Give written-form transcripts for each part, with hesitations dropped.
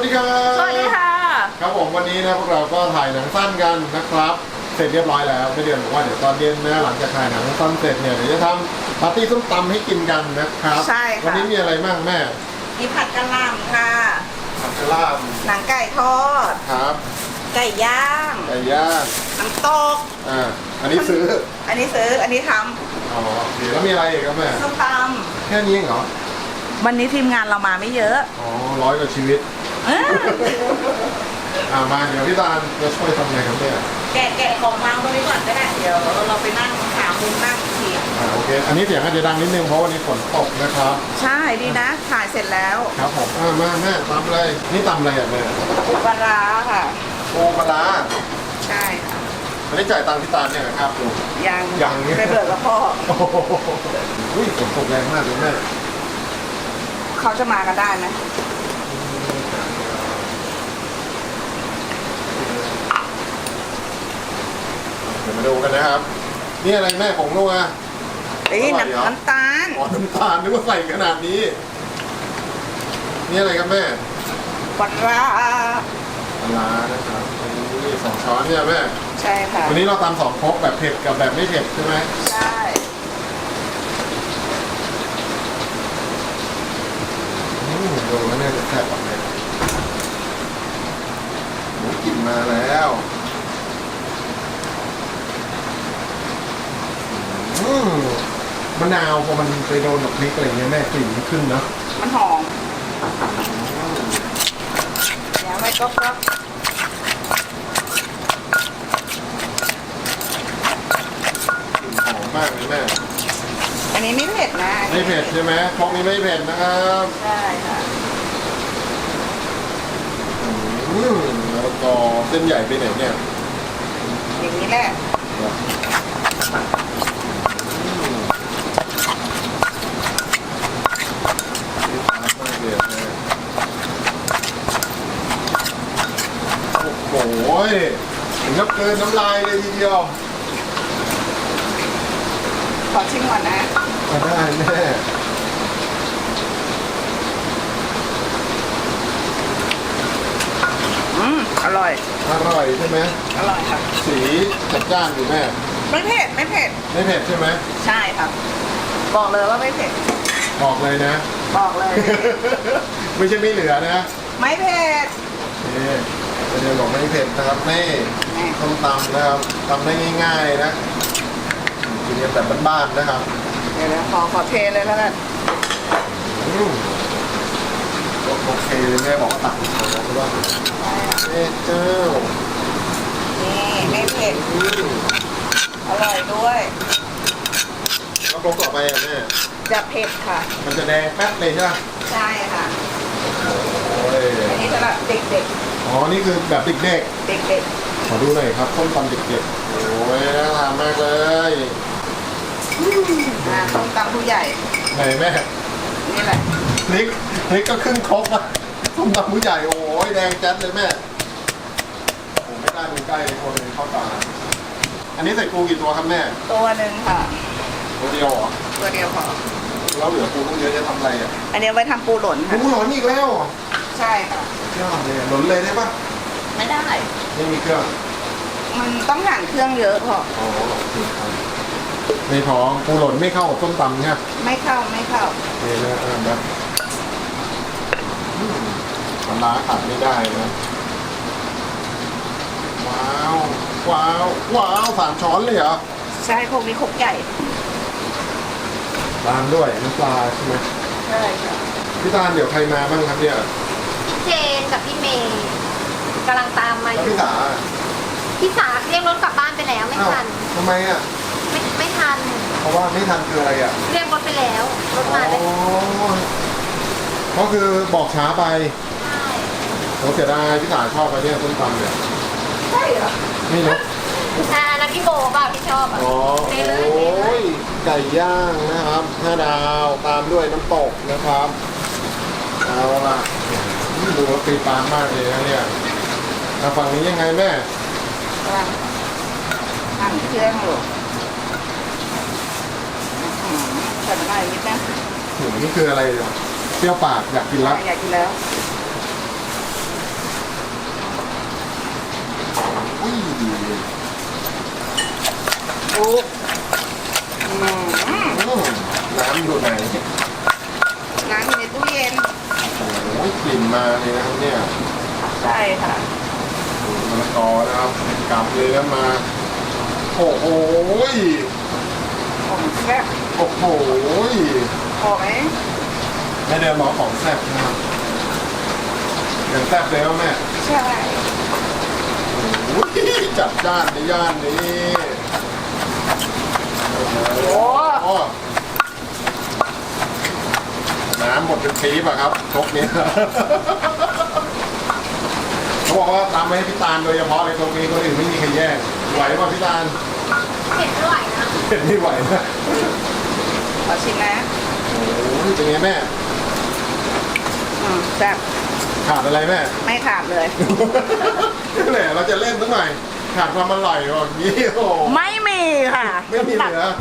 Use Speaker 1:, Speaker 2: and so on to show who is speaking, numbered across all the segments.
Speaker 1: ครับ
Speaker 2: สวัสดีค่ะ
Speaker 1: ครับผมวันนี้นะพวกเราก็ถ่ายหนังสั้นกันนะครับเสร็จเรียบร้อยแล้วไม่เดือนบอกว่าเดี๋ยวตอนเย็นนะหลังจากถ่ายหนังสั้นเสร็จเนี่ยเดี๋ยวจะทำปาร์ตี้ส้มตำให้กินกันนะครับ
Speaker 2: ใช่ค่ะ
Speaker 1: วันนี้มีอะไรบ้างแม่
Speaker 2: มีผัดกะหล่ำค่ะ
Speaker 1: ผัดกะหล่
Speaker 2: หนังไก่ทอด
Speaker 1: ำครับ
Speaker 2: ไก่ย่าง
Speaker 1: ไก่ย่าง
Speaker 2: น้ำตก
Speaker 1: อันนี้ซื้อ
Speaker 2: อันนี้ซื้อ อันนี้ท
Speaker 1: อ๋อโอเคแล้วมีอะไรอีกครับแม่
Speaker 2: ำส้มต
Speaker 1: แค่นี้เองเหรอ
Speaker 2: ำวันนี้ทีมงานเรามาไม่เยอะ
Speaker 1: อ๋อ100กว่าชีวิต มาเดี๋ยวพี่ตาลจะช่วยทำไงครับเนี่ย
Speaker 2: แกะของวางตรงนี้ก่อนก็ได้ เดี๋ยวเราไปนั่งหามุมนั่งอีกที
Speaker 1: โอเคอันนี้เสียงอาจจะดังนิดนึงเพราะวันนี้ฝนตกนะครับ
Speaker 2: ใช่ดีนะ ถ่ายเสร็จแล้ว
Speaker 1: ครับผมมาแม่ตำอะไรนี่ตำอะไรอ่ะแม่
Speaker 2: ปูปลาร้าค่ะ
Speaker 1: ปูปลาร้า
Speaker 2: ใช่ค่ะ
Speaker 1: ไม่ได้จ่ายตังค์พี่ตาลเนี่ยนะครับดู
Speaker 2: ยัง
Speaker 1: ยังเนี่ย
Speaker 2: ไปเบิกกับพ่อ
Speaker 1: โอ้โหอุ้ยฝนตกแรงมากเลยแม่
Speaker 2: เขาจะมากันได้ไหม
Speaker 1: เดี๋ยวมาดูกันนะครับนี่อะไรแม่ของนัว
Speaker 2: นี่
Speaker 1: อร่อยเหรอ
Speaker 2: น้ำตาล
Speaker 1: อ๋อน้ำตาลนึกว่าใส่ขนาดนี้นี่อะไรครับแม่
Speaker 2: ปลาร้า
Speaker 1: ปลาร้านะครับนี่2 ช้อนเนี่ยแม่
Speaker 2: ใช่ค่ะ
Speaker 1: วันนี้เราตำ2 ครกแบบเผ็ดกับแบบไม่เผ็ดใช่ไหม
Speaker 2: ใช่
Speaker 1: ดูแล้วเนี่ยจะแซ่บกว่าแม่หมูกลิ่นมาแล้วมะนาวพอมันไปโดนกับพริกอะไรเงี้ยแม่กลิ่นมันขึ้นเนอะ
Speaker 2: มันหอมเดี๋ยวไว้ก็
Speaker 1: กลิ่นหอมมากเลยแม่
Speaker 2: อันนี้ไม่เผ็ดนะ
Speaker 1: ไม่เผ็ดใช่ไหมพวกนี้ไม่เผ็ดนะครับ
Speaker 2: ใช่ค่ะ
Speaker 1: แล้วก็เส้นใหญ่ไปไหนเนี่ย
Speaker 2: อย่างนี้แหละ
Speaker 1: โอ้โหถึงกับเกินน้ำลายเลยทีเดียว
Speaker 2: ขอชิมก่อนนะ
Speaker 1: มาได้แม่
Speaker 2: อร่อย
Speaker 1: อร่อยใช่ไหม
Speaker 2: อร่อยค่ะ
Speaker 1: สีจัดจ้านอยู่แม่
Speaker 2: ไม่เผ็ด ไม่เผ็ด
Speaker 1: ไม่เผ็ดใช่ไหม
Speaker 2: ใช่ค่ะ บอกเลยว่าไม่เผ็ด
Speaker 1: บอกเลยนะ
Speaker 2: บอกเลย
Speaker 1: ไม่ใช่ไม่เหลือนะ
Speaker 2: ไม่เผ็ด
Speaker 1: นี่ประเด็นบอกไม่เผ็ดนะครับนี่ต้มตำนะครับตำได้ง่ายๆนะกินกันแบบบ้านๆนะครับ
Speaker 2: เดี๋ยวขอเทเลยแล้วกัน
Speaker 1: โอเคเลยแม่บอกว่าตักของแล้วใช่ป่ะเอ๊ะเจ้า
Speaker 2: นี่ไม่เผ็ด อร่อยด้วย
Speaker 1: แล้วโคกต่อไปอ่ะแม่
Speaker 2: จะเผ็ดค่ะ
Speaker 1: มันจะแดงแป๊บเลยใช่ป่ะ
Speaker 2: ใช่ค่ะ
Speaker 1: โอ้ย
Speaker 2: อันนี้สำหรับเด็ก
Speaker 1: อ๋อนี่คือแบบเด็ก
Speaker 2: ๆ เด็ก
Speaker 1: ๆขอดูหน่อยครับส้มตำเด็กๆโอ้ยน่าทานมากเลย
Speaker 2: ๆต้มตำผู้ใหญ่
Speaker 1: ไหนแม่
Speaker 2: นี่แหละ
Speaker 1: พริกก็ครึ่งครกอะส้มตำผู้ใหญ่โอ้ยแดงแจ๊ดเลยแม่ผมไม่กล้าดูใกล้เลยคนเลยเข้าตาอันนี้ใส่ปูกี่ตัวครับแม่
Speaker 2: ตัวหนึ่งค่ะ
Speaker 1: ตัวเดียวเหรอ
Speaker 2: ตัวเดียวพอ
Speaker 1: แล้วเหลือปูต้องเยอะจะทำอะไรอ่ะ
Speaker 2: อันนี้ไว้ทำปูหล่น
Speaker 1: ปู
Speaker 2: ค่ะ
Speaker 1: หลอนอีกแล้วเหรอ
Speaker 2: ใช่ค่ะ
Speaker 1: ยอดเลยหลอนเลยได้ปะ
Speaker 2: ไม่ได้
Speaker 1: ไม่มีเครื่อง
Speaker 2: มันต้องหั่นเครื่องเยอะพอ
Speaker 1: อ๋อโอเคครับในท้องปูหล่นไม่เข้ากับส้มตำเนี่ย
Speaker 2: ไม่เข้า ไม่เข้า
Speaker 1: นี่นะแบบปลาร้าขาดไม่ได้นะว้าวว้าวว้าว3 ช้อนเลยเหรอ
Speaker 2: ใช่โคกนี้โคกใหญ่
Speaker 1: ตามด้วยน้ำปลาใช่ไหม
Speaker 2: ใช่ค่ะ
Speaker 1: พี่ตาลเดี๋ยวใครมาบ้างครับเนี่ย
Speaker 3: เจนกับพี่เมย์กำลังตามมา
Speaker 1: แล้ว
Speaker 3: อยู่
Speaker 1: พี่สา
Speaker 3: พี่สาเรียกรถกลับบ้านไปแล้วไม่
Speaker 1: อ้าว
Speaker 3: ทัน
Speaker 1: ทำไมอ่ะ
Speaker 3: ไม่ทัน
Speaker 1: เพราะว่าไม่ทันคืออะไรอ่ะ
Speaker 3: เรียกรถไปแล้วรถมาได้
Speaker 1: อ๋อก็คือบอกช้าไป
Speaker 3: ใช่
Speaker 1: ผมเสียดายพี่สาชอบไปเนี่ยส้มตำเนี่ย
Speaker 2: ใช่เหรอ
Speaker 1: ไม่รู้
Speaker 3: นักพี่โบป่ะพี่ชอบอ่ะ
Speaker 1: อ๋อ
Speaker 3: เท
Speaker 1: โอ
Speaker 3: เลยเทเล้ ย
Speaker 1: ยไก่ย่างนะครับ5 ดาวตามด้วยน้ำตกนะครับเอาล่ะดูว่าตีปานมากเลยนะเนี่ยฝั่งนี้ยังไงแม่
Speaker 2: กำลังหั่นเครื่องอยู่ใส่หน่อยนิดนะ
Speaker 1: นี่คืออะไรเนี่ยเปรี้ยวปากอยากกินละ
Speaker 2: อยากกินแล้ว
Speaker 1: อุ้ย
Speaker 2: โอ้อืม
Speaker 1: น้ำอยู่ไหน
Speaker 2: น้ำอยู่ในตู้เย็น
Speaker 1: โอ้ยกลิ่นมาเลยนะครับเนี่ย
Speaker 2: ใช่ค่ะ
Speaker 1: มะละกอนะครับกลับเลยแล้วมาโอ้โห
Speaker 2: ของแซ่บ
Speaker 1: โอ้โห
Speaker 2: พอไหม
Speaker 1: แม่เดินบอกของแซ่บนะครับอย่างแซ่บเลยว่าแม่
Speaker 2: ใช่
Speaker 1: โอ้ยจัดจ้านในย่านนี้โอ้โหน้ำหมดเป็นปี๊บอะครับครกนี้ เขาบอกว่าตามมาให้พี่ตาลโดยเฉพาะเลยตรงนี้คนอื่นไม่มีใครแย่งไหวป่ะพี่ตาล
Speaker 3: เผ็ดไม่ไหวนะ
Speaker 1: เห็นไม่ไหวนะ
Speaker 2: ขอชิมนะ
Speaker 1: โอ้ยเป็นไงแม่
Speaker 2: แซ่บ
Speaker 1: ขาดอะไรแม่
Speaker 2: ไม่ขาดเลย
Speaker 1: แหละเราจะเล่นสักหน่อยขาดความอร่อยแบบนี้โอ้
Speaker 2: ไม่มีค่ะ
Speaker 1: ไม่มีเหลือ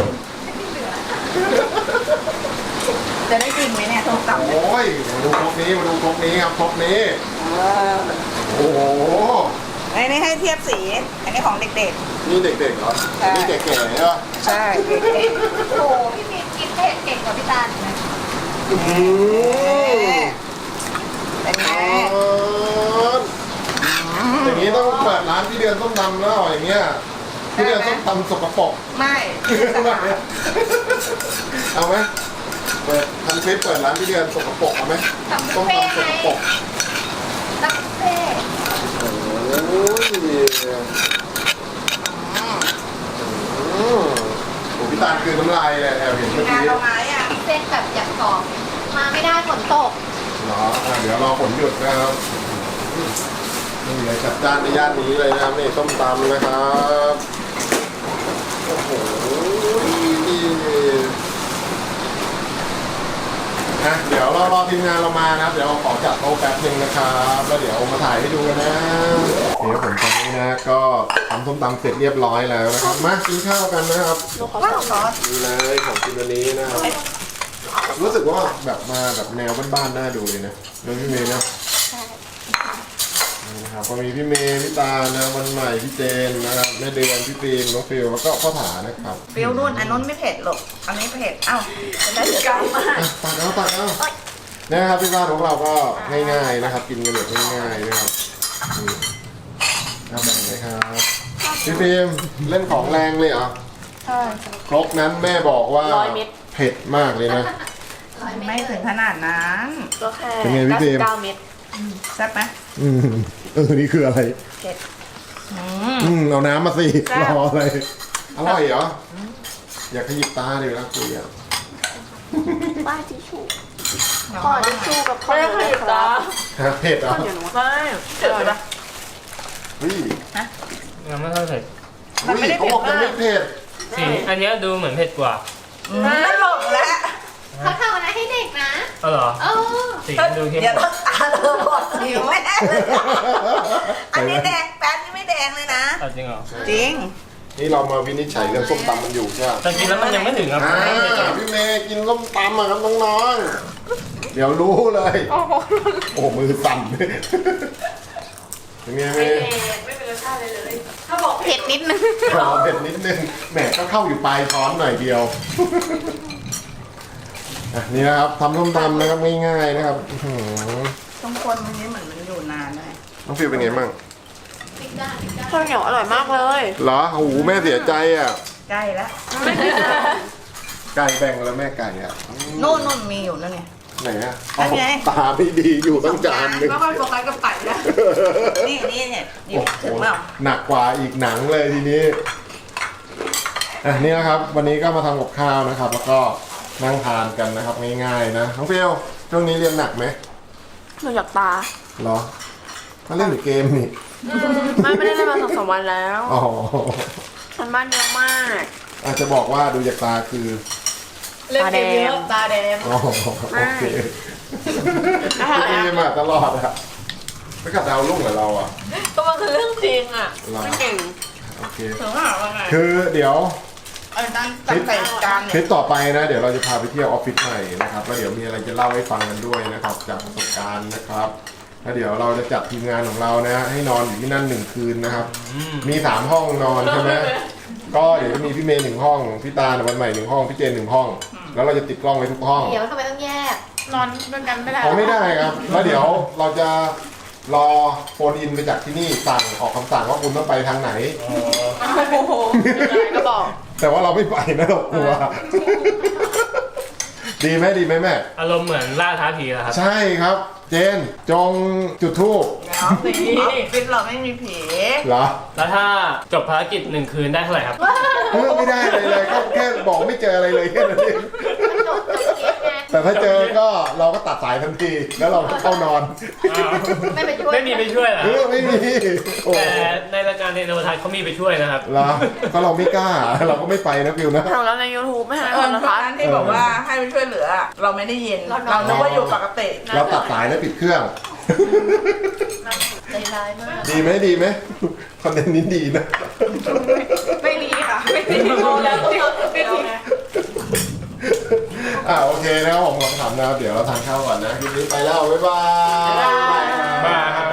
Speaker 2: จะได้กินไหมเนี่ยส้มตำเนี่ย
Speaker 1: โอ้ยมาดูครกนี้มาดูครกนี้ครับครกนี้
Speaker 2: เออ
Speaker 1: โอ้โห
Speaker 2: อันนี้ให้เทียบสี อันนี้ของเด็ก
Speaker 1: นี่เด็กๆเหรอ
Speaker 2: ใช่
Speaker 1: นี่แก่ๆเหรอ
Speaker 2: ๆ ใช่เด็ก
Speaker 3: โอ้โหพี่เมย์กินเผ็ดเก่งกว่าพี่ตาลอีกนะ
Speaker 1: อื้อหื
Speaker 2: ๆเป็นไง
Speaker 1: ออย่างนี้ต้องเปิดร้านพี่เดือนส้มตำแล้วอย่างเงี้ยพี่เดือนส้มตำสกปรก
Speaker 2: ไม่
Speaker 1: เอาไหมเปิดทำคลิปเปิดร้านพี่เดือนสกปรกเอาไหม
Speaker 3: ตำบุ
Speaker 1: ส้
Speaker 3: ฟ
Speaker 1: ม
Speaker 3: เฟ่
Speaker 1: ตำส
Speaker 3: ไง
Speaker 1: กปรก
Speaker 3: ตำบุฟเฟ่
Speaker 1: โอ้ยโอ้พี่ตาลคือน้ำลายเลยแอบเห็นเมื่อกี้
Speaker 2: งานเราไม้อ่ะ
Speaker 3: เส้นแบบอยากกรอบมาไม่ได้ฝนตก
Speaker 1: เหรอเดี๋ยวรอฝนหยุดนะครับนี่เลยจัดจ้านในย่านนี้เลยนะครับนี่ส้มตำนะครับโอ้โหนะเดี๋ยวเรารอทีมงานเรามานะครับ เดี๋ยวขอจัดโต๊ะแป๊บนึงนะครับแล้วเดี๋ยวมาถ่ายให้ดูกันนะเดี๋ยวผมตอนนี้นะก็ทำส้มตำเสร็จเรียบร้อยแล้วนะครับมากินข้าวกันนะครับ
Speaker 2: ว้าวซอส
Speaker 1: นี่เลยของกินวันนี้นะครับรู้สึกว่าแบบมาแบบแนวบ้านๆน่าดูเลยนะเรื่องพี่เมย์นะนี่นะครับก็มีพี่เมย์พี่ตานะวันใหม่พี่เจนนะครับแม่เดือนพี่ฟิล์มน้องฟิลแล้วก็พ่อถานะครับ
Speaker 2: ฟิลนุ่นอันนู้นไม่เผ็ดหรอกอันนี้เผ็ดเอ้าจะได้กำมาก
Speaker 1: อ่ะตักเอานะครับที่บ้านของเราก็ง่ายๆนะครับ กินกันแบบง่ายๆนะครับนี่เอาแบ่งเลยครับพี่ฟิล์มเล่นของแรงเลยเหรอ
Speaker 2: ใช่
Speaker 1: ครกนั้นแม่บอกว่าเผ็ดมากเลยนะ
Speaker 2: ไม่ถึงขนาดนั้น
Speaker 4: ก็แค่
Speaker 1: เป็นไงพี่เฟรม
Speaker 4: 99 เม็ด
Speaker 2: แซ่บไหม
Speaker 1: นี่คืออะไร
Speaker 2: เผ็ด
Speaker 1: เอาน้ำมาสิ
Speaker 2: แซ่บ
Speaker 1: รออะไรอร่อยเหรออยากขยิบตาเลยนะคุยอ่ะ
Speaker 4: ป้ายทิชชู่
Speaker 2: เดี๋ยว
Speaker 4: ขอ
Speaker 2: มา
Speaker 4: ทิชชู่กับข้าวเหนียวด้วยค
Speaker 2: จ้า
Speaker 4: รับ
Speaker 1: เผ็ดเหรอ
Speaker 4: ไม่เจ็บปะ
Speaker 1: เฮ้ย
Speaker 5: ยังไม่เท่าเผ็ด
Speaker 2: มันไม่ได้
Speaker 1: เขา
Speaker 2: เผ็
Speaker 1: บ
Speaker 2: ด
Speaker 1: อกมัน
Speaker 2: มา
Speaker 1: ไม่
Speaker 2: ก
Speaker 1: เผ็ด
Speaker 5: สีอันเนี้ยดูเหมือนเผ็ดกว่า
Speaker 2: ไม่หลงแล้ว
Speaker 3: เขาทำอะไรให้เด็กนะ
Speaker 5: เออเหรอ
Speaker 3: เออ
Speaker 5: สีมันดูเข้ม
Speaker 2: เดี๋ยว
Speaker 5: กว่า
Speaker 2: ตาเธอบอดหิวแม่เลยอันนี้แดงแป๊บนี่ไม่แดงเลยนะ
Speaker 5: เอาจริงเหรอ
Speaker 2: จริง
Speaker 1: นี่เรามาวินิจฉัยเรื่องส้มตำมันอยู่ใช่ไหม
Speaker 5: แต่กินแล้วมันยังไม่ถึงครับ
Speaker 1: พี่เมย์กินส้มตำอ่ะครับน้องๆเดี๋ยวรู้เลย โอ้มือสั่นเป็นไงเมย์
Speaker 4: ไม่เป็นรสชาติเลยเลย ถ้าบอก
Speaker 3: เผ็ดนิดนึง
Speaker 1: รอเผ็ดนิดนึงแหมก็เข้าอยู่ปลายช้อนหน่อยเดียวอ่ะนี่นะครับทำส้มตำนะครับง่ายๆนะครับอื้อหือ
Speaker 2: ต้องคนมันนี้เหมือนมันอยู่นานเลย
Speaker 1: น้องฟิวเป็นไงบ้าง
Speaker 4: ข้าวเหนียวอร่อยมากเลย
Speaker 1: เหรอโอ้โหแม่เสียใจอ่ะ
Speaker 2: ใกล้แล้ว
Speaker 1: ไก่แบ่งแล้วแม่ไก่อ่ะ
Speaker 2: นู่นมีอยู่นั่นไง
Speaker 1: ไหนอ่ะ
Speaker 2: อันไง
Speaker 1: ตาไม่ดีอยู่ตั้งจานหนึง
Speaker 2: แล้วก็โฟกัสกับไก่นะนี่เนี่ยนี่
Speaker 1: โอ้
Speaker 2: ถึง
Speaker 1: โห
Speaker 2: เปล่า
Speaker 1: หนักกว่าอีกหนังเลยทีนี้อ่ะนี่นะครับ วันนี้ก็มาทำกับข้าวนะครับ แล้วก็นั่งทานกันนะครับง่ายๆนะน้องฟิวช่วงนี้เรียนหนักไหม
Speaker 4: หนูอยากตา
Speaker 1: เหรอมาเล่นหรือเกมนี่
Speaker 4: ไม่ได้เล่นมา2-3 วันแล้ว
Speaker 1: อ๋อ
Speaker 4: มันบ้านเยอะมาก
Speaker 1: อาจจะบอกว่าดูจากตาคือ
Speaker 4: ตาแดง
Speaker 2: ตาแดง
Speaker 1: อ๋อโอเคเกมมาตลอดอะไม่กัดดาวลุ่งเหรอเราอ่ะ
Speaker 4: ก็มันคือเรื่องจริงอ่ะ
Speaker 1: เหรอ
Speaker 4: ไม่เก่ง
Speaker 1: โอเค
Speaker 2: ถึงว่าว่าไง
Speaker 1: คือเดี๋ยว
Speaker 2: ตั้งใส่จาน
Speaker 1: คลิ
Speaker 2: เนี่ย
Speaker 1: ปต่อไปนะ เดี๋ยวเราจะพาไปเที่ยวออฟฟิศใหม่นะครับแล้วเดี๋ยวมีอะไรจะเล่าให้ฟังกันด้วยนะครับ จากประสบการณ์นะครับแล้วเดี๋ยวเราจะจัดทีมงานของเรานะให้นอนอยู่ที่นั่น1 คืนนะครับ มี3 ห้องนอนใช่ไหมก็เดี๋ยวจะมีพี่เมย์1 ห้องพี่ตาวันใหม่1 ห้องพี่เจน1 ห้องแล้วเราจะติดกล้องไว้ทุกห้อง
Speaker 3: เดี๋ยวทำไมต้องแยก
Speaker 4: นอนด้วยกันไม่ได้
Speaker 1: เขาไม่ได้ครับแล้วเดี๋ยวเราจะรอโฟนอินไปจากที่นี่สั่งออกคำสั่งว่าคุณต้องไปทางไหน
Speaker 4: โอ้โหก็บอก
Speaker 1: แต่ว่าเราไม่ไปนะเรากลัว ดีไหมแม่
Speaker 5: อารมณ์เหมือนล่าท้าผีเหรอครับ
Speaker 1: ใช่ครับ เจนจงจุดธูป
Speaker 2: แล้วสิฟิตเราไม่มีผี
Speaker 1: เหรอ
Speaker 5: แล้วถ้าจบภารกิจ1 คืนได้เท่าไหร่ครับ
Speaker 1: ไม่ได้เลยก็แค่บอกไม่เจออะไรเลยแค่นั้นเอง
Speaker 3: จบเก็บไง
Speaker 1: แต่ถ้าเจอก็เราก็ตัดสายทันทีแล้วเราก็เข้านอน
Speaker 3: ไม่ไปช่วย
Speaker 5: ไม่มีไปช่วยเหรอ
Speaker 1: ไม่มีโอ้
Speaker 5: แต่ในรายการเทนโนทัศน์เขามีไปช่วยนะครับ
Speaker 1: เหรอก็เราไม่กล้าเราก็ไม่ไปนะฟิวนะ
Speaker 4: ทำแล้วใน YouTube ไม่ให้
Speaker 2: ต
Speaker 4: ค
Speaker 2: อน
Speaker 4: นนะคะ
Speaker 2: นั้นที่บอกว่าให้ไปช่วยเหลือ เราไม่ได้ยิน เราคิดว่าอยู่ปกติ
Speaker 1: เราตัดสายแล้วปิดเครื่อง
Speaker 3: ใจร้ายมาก
Speaker 1: ดีไหมคอนเทนต์นี้ดีนะ
Speaker 2: ไม่ดีค่ะ ไม่ดีแล้วไม่ดี
Speaker 1: โอเคนะครับผมขอบคุณนะครับเดี๋ยวเราทานข้าวก่อนนะคลิปนี้ไปแล้วบ๊ายบาย
Speaker 5: บ๊ายบาย